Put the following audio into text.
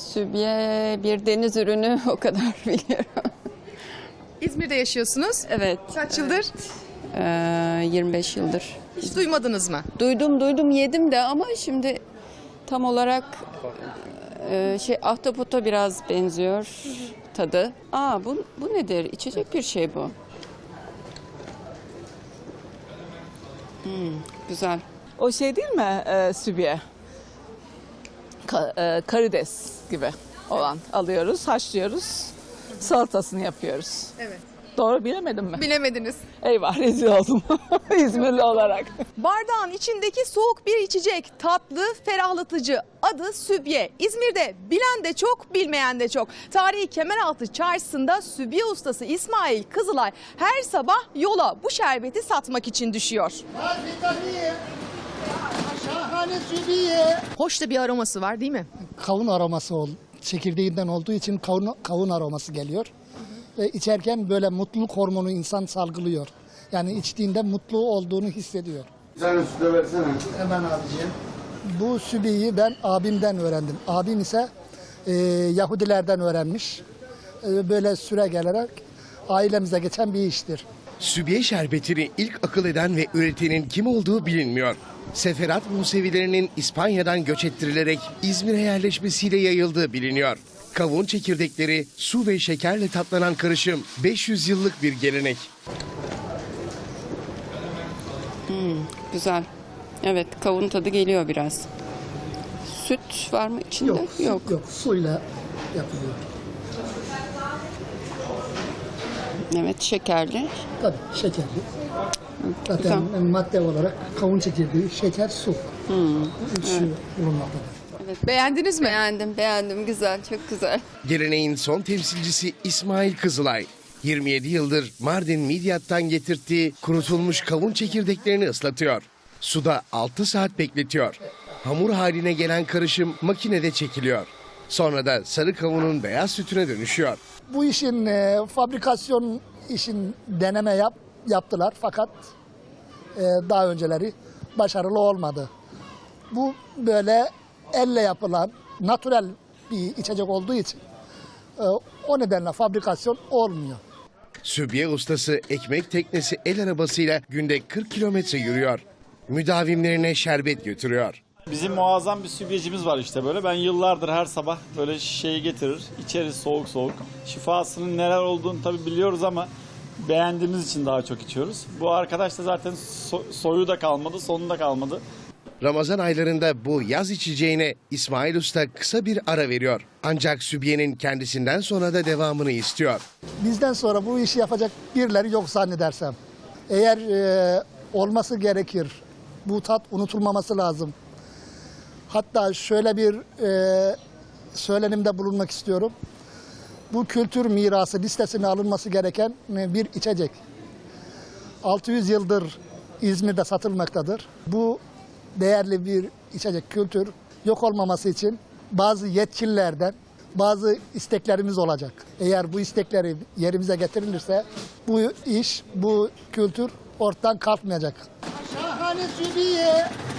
Sübye bir deniz ürünü, o kadar biliyorum. İzmir'de yaşıyorsunuz. Evet. Kaç yıldır? 25 yıldır. Hiç duymadınız mı? Duydum yedim de ama şimdi tam olarak ahtapota biraz benziyor tadı. Bu nedir? İçecek bir şey bu. Güzel. O şey değil mi sübye? Karides gibi olan alıyoruz, haşlıyoruz, salatasını yapıyoruz. Evet. Doğru bilemedim mi? Bilemediniz. Eyvah, rezil oldum İzmirli olarak. Bardağın içindeki soğuk bir içecek, tatlı, ferahlatıcı. Adı sübye. İzmir'de bilen de çok, bilmeyen de çok. Tarihi Kemeraltı Çarşısı'nda sübye ustası İsmail Kızılay her sabah yola bu şerbeti satmak için düşüyor. Şahane sübiye. Hoş da bir aroması var değil mi? Kavun aroması çekirdeğinden olduğu için kavun aroması geliyor. Ve içerken böyle mutluluk hormonu insan salgılıyor. Yani içtiğinde mutlu olduğunu hissediyor. Bir tane su da versene. Hemen abiciğim. Bu sübiyi ben abimden öğrendim. Abim ise Yahudilerden öğrenmiş. Böyle süre gelerek ailemize geçen bir iştir. Sübye şerbetini ilk akıl eden ve üretenin kim olduğu bilinmiyor. Seferat Musevilerinin İspanya'dan göç ettirilerek İzmir'e yerleşmesiyle yayıldığı biliniyor. Kavun çekirdekleri, su ve şekerle tatlanan karışım 500 yıllık bir gelenek. Güzel. Evet, kavun tadı geliyor biraz. Süt var mı içinde? Yok. Suyla yapılıyor. Evet, şekerli. Tabii şekerli. Zaten Güzel. madde olarak kavun çekirdeği, şeker, su. Üçü bulunmaktadır. Beğendiniz mi? Beğendim. Güzel, çok güzel. Geleneğin son temsilcisi İsmail Kızılay. 27 yıldır Mardin Midyat'tan getirttiği kurutulmuş kavun çekirdeklerini ıslatıyor. Suda 6 saat bekletiyor. Hamur haline gelen karışım makinede çekiliyor. Sonra da sarı kavunun beyaz sütüne dönüşüyor. Bu işin fabrikasyon işin deneme yaptılar fakat daha önceleri başarılı olmadı. Bu böyle elle yapılan natürel bir içecek olduğu için o nedenle fabrikasyon olmuyor. Sübye ustası ekmek teknesi el arabasıyla günde 40 kilometre yürüyor. Müdavimlerine şerbet götürüyor. Bizim muazzam bir sübyecimiz var işte böyle. Ben yıllardır her sabah böyle şişeyi getirir, içeriz soğuk soğuk. Şifasının neler olduğunu tabii biliyoruz ama beğendiğimiz için daha çok içiyoruz. Bu arkadaş da zaten soyu da kalmadı, sonu da kalmadı. Ramazan aylarında bu yaz içeceğine İsmail Usta kısa bir ara veriyor. Ancak sübyenin kendisinden sonra da devamını istiyor. Bizden sonra bu işi yapacak birileri yok zannedersem. Eğer olması gerekir, bu tat unutulmaması lazım. Hatta şöyle bir söylenimde bulunmak istiyorum. Bu kültür mirası listesine alınması gereken bir içecek. 600 yıldır İzmir'de satılmaktadır. Bu değerli bir içecek, kültür yok olmaması için bazı yetkililerden bazı isteklerimiz olacak. Eğer bu istekleri yerimize getirilirse bu iş, bu kültür ortadan kalkmayacak. Şahane sübiye.